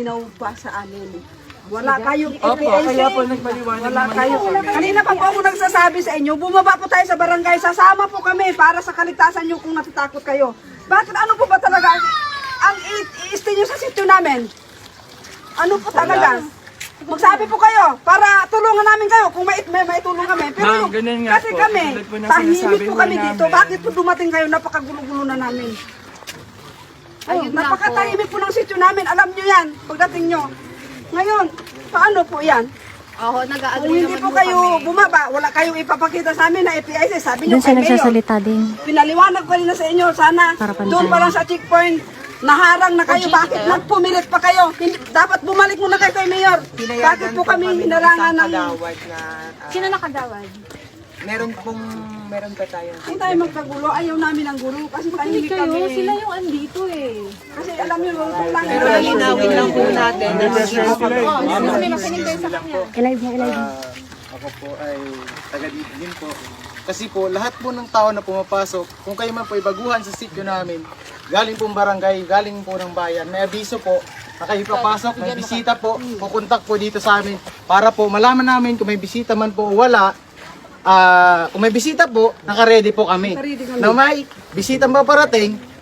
malinaw pa sa amin. Wala kayong Opo, EPIC. kaya po nagpaliwanag Wala naman kayo. po kami. Kanina pa po ako nagsasabi sa inyo, bumaba po tayo sa barangay, sasama po kami para sa kaligtasan nyo kung natatakot kayo. Bakit ano po ba talaga ang i-stay nyo sa sityo namin? Ano po talaga? Magsabi po kayo para tulungan namin kayo kung may tulong kami. Pero Ma'am, ganun nga kasi po. kami, Tulad po ng tahimik sinasabi po po kami dito. namin. Bakit po dumating kayo? Napakagulo-gulo na namin. Napakatahimik po ng sityo namin. Alam nyo yan, pagdating nyo. Ngayon, paano po yan? Oo, Kung nag-agree hindi naman po kayo bumaba, wala kayong ipapakita sa amin na EPIC. Sabi nyo Doon siya kay Mayor. nagsasalita din. Pinaliwanag ko rin na sa inyo, sana Para pansin. doon pa lang sa checkpoint, naharang na kayo. Bakit nagpumilit pa kayo? Hindi, dapat bumalik muna kayo kay Mayor. Bakit po kami hinarangan ng... Kagawad na Sino nakagawad? meron pa tayo. Hindi tayo magkagulo, ayaw namin ng gulo kasi tahimik kami. Sila yung andito eh. Kasi alam nyo, lulutong lang. Pero linawin lang po natin na May makinig kayo sa kanya. I-live mo, i-live mo. Ako po ay taga dito din po. Kasi po, lahat po ng tao na pumapasok, kung kayo man po ay baguhan sa sityo namin, galing pong barangay, galing po ng bayan, may abiso po na kayo papasok, may bisita po, pupuntak po dito sa amin para po malaman namin kung may bisita man po o wala. Kung may bisita po, naka-ready po kami. Naka-ready kami. Na may bisita ba parating,